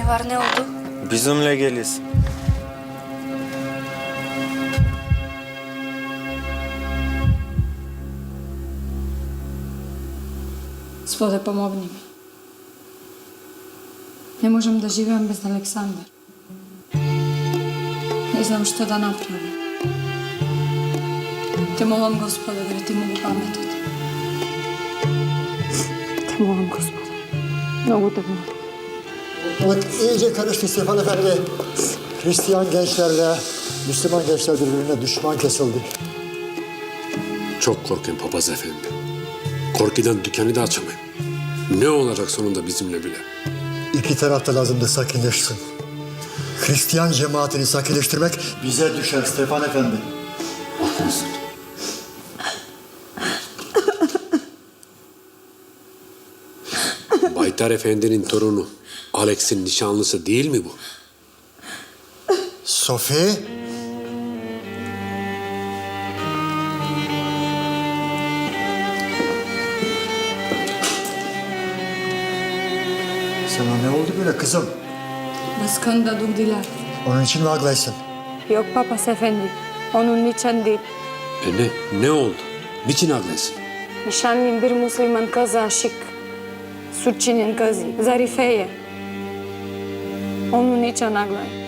Ne var, ne oldu? Bizimle geliyorsun. Gospode, pomogni mi. Ne možem da živim bez Aleksandra. Ne znam što da napravim. Te molim, Gospode, da ti mogu pametati. Te molim, Gospode. Mnogo te molim. Evet, iyice karıştı Stefan Efendi. Hristiyan gençlerle Müslüman gençler birbirine düşman kesildi. Çok korkun papaz efendi. Korkudan dükkanı da açamayın. Ne olacak sonunda bizimle bile? İki taraf da lazımdı sakinleşsin. Hristiyan cemaatini sakinleştirmek bize düşer Stefan Efendi. Haklısın. Baytar Efendi'nin torunu Alex'in nişanlısı değil mi bu? Sophie? Sana ne oldu böyle kızım? Baskında durdular. Onun için mi ağlaysın? Yok papaz efendi. Onun için değil. Ne oldu? Niçin ağlıyorsun? Nişanlım bir Müslüman kıza aşık. Suçinin kızı. Zarife'ye. Onun için ağlayın.